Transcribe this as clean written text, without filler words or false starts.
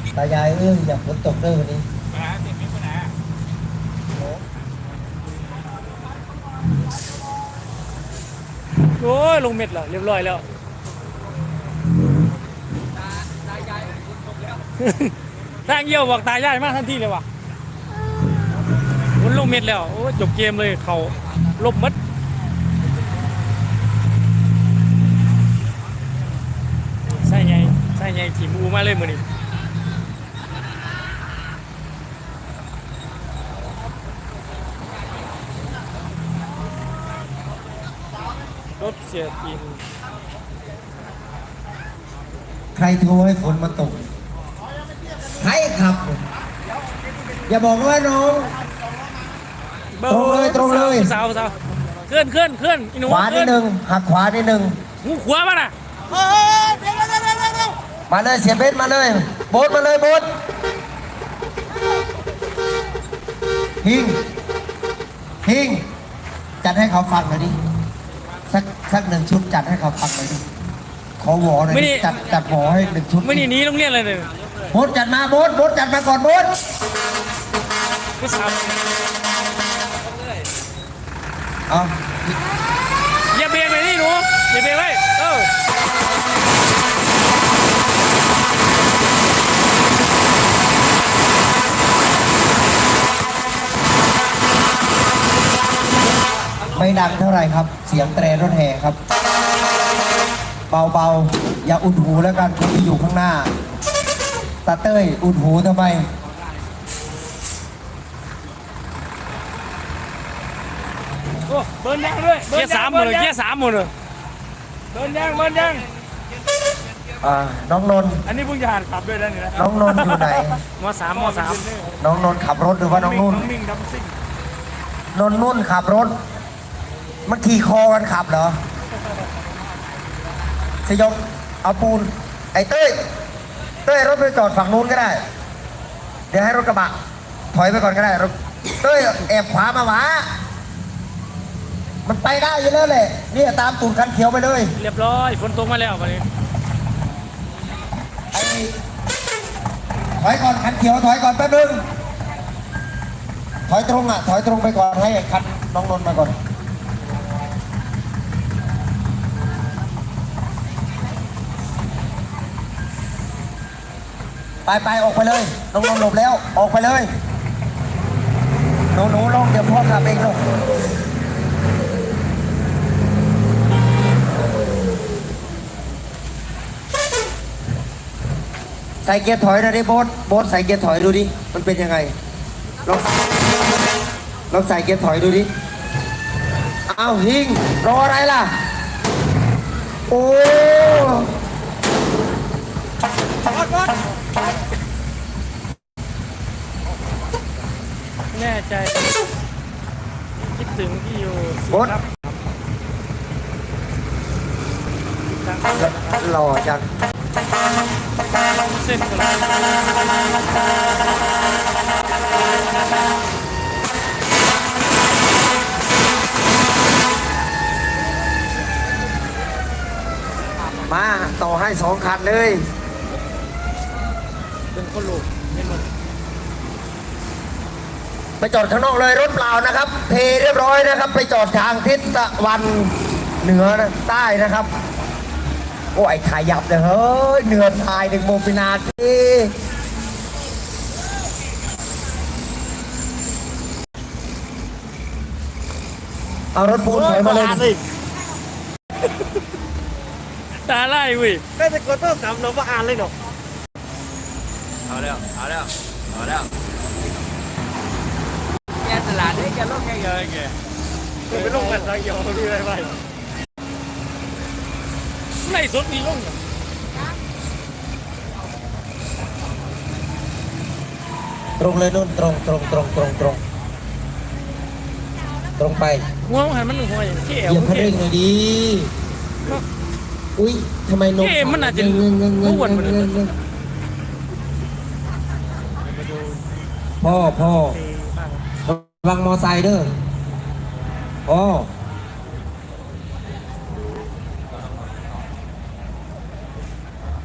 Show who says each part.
Speaker 1: ตายายอยากฝนตกด้วยวันนี้
Speaker 2: โอ้ยลงเม็ดแล้วเรียบร้อยแล้วทางเยี่ยวบอกตายายมากทันทีเลยว่ะมันลงเม็ดแล้วโอ้จบเกมเลยเขาลบมัดใช่ไงทีมอูมาเลยมือนี้รถเสียทีม
Speaker 1: ใครโทรให้ฝนมาตกใครขับอย่าบอกว่าน้องตรงเลย
Speaker 2: สาวเคลื่อน
Speaker 1: ขวานิดนึงหักขวานิดนึง
Speaker 2: หูขวามาน่ะ
Speaker 1: มาเลยเสียเบสมาเลยโบ๊ทมาเลยโบ๊ทฮิงจัดให้เขาฟังหน่อยดิสักหนึ่งชุดจัดให้เขาฟังหน่อยดิขอหวอหน่อยจัดหวอให้หนึ่งชุด
Speaker 2: ไม่นี่นี้โรงเรียนอะไรเลย
Speaker 1: โบ๊ทจัดมาโบ๊ทจัดมาก่อนโบ๊ท
Speaker 2: ไม่ทราบ
Speaker 1: เอา
Speaker 2: อย่าเบรกเลยนี่หนูอย่าเบรกไว้
Speaker 1: ไม่ดังเท่าไหร่ครับเสียงแตรรถแห่ครับเบาอย่าอุดหูแล้วกันคนที่อยู่ข้างหน้าตาเต้ยอุดหูทำไม
Speaker 2: เบิร์นยังด้วยเกียร์สามหมดเลยเบิร์นยัง
Speaker 1: น้องนนท์
Speaker 2: อันนี้เพิ่งจะหัดขับด้วยนะนี่นะ
Speaker 1: น้องนนท์อยู่ไหน
Speaker 2: ม.3
Speaker 1: น้องนนท์ขับรถหรือว่าน้องนุ่นนุ่นขับรถมันขี่คอกันขับเหรอสยบเอาปูนไอ้เต้ยรถไปจอดฝั่งนู้นก็ได้เดี๋ยวให้รถกระบะถอยไปก่อนก็ได้รถเต้ยแอบขวามาหวามันไปได้อยู่แล้วแหละนี่ตามตูดคันเขียวไปเลย
Speaker 2: เรียบร้อยฝนตกมาแล้ววันนี้
Speaker 1: ถอยก่อนคันเขียวถอยก่อนแป๊บนึงถอยตรงไปก่อนให้คันน้องนนท์มาก่อนไปออกไปเลยน้องนนท์หลบแล้วออกไปเลยหนูลงเดี๋ยวพ่อขับเองลงใส่เกียร์ถอยนะดิโบ๊ทใส่เกียร์ถอยดูดิมันเป็นยังไงลองใส่เกียร์ถอยดูดิอ้าวฮิงรออะไรล่ะโอ้
Speaker 2: แน่ใจคิดถึงที่อยู่
Speaker 1: โบ๊ทหล่อจัง
Speaker 2: เส้นกัน
Speaker 1: มาต่อให้2 คันเลย
Speaker 2: เป็นคนลูก
Speaker 1: ไปจอดข้างนอกเลยรถเปล่านะครับเทเรียบร้อยนะครับไปจอดทางทิศตะวันเหนือใต้นะครับโอ้ยถ่ายยับเลยเฮ้ยเหนือถ่าย1 โมง นาทีเอารถปูนถอยมาเลย
Speaker 2: ตาไล่เว้ย
Speaker 3: ได้แต่กดต้อง3เราก็อ่านเลยเนาะ
Speaker 4: เอาแล้วแกตลาดนี่แกลงแกเยอะแก
Speaker 2: ไปลงกันสักอย่างดูอะไรไปไล่สดนี่ลง
Speaker 1: ตรงเลยนู่นตรงไป
Speaker 2: หัวมันหัวอย่างที่เอว
Speaker 1: เหยียบคันเร่งหน่อยดีอุ้ยทำไมนม
Speaker 2: มันอาจจะอ้วน
Speaker 1: พ่อระวังมอไซค์เด้อพ่อ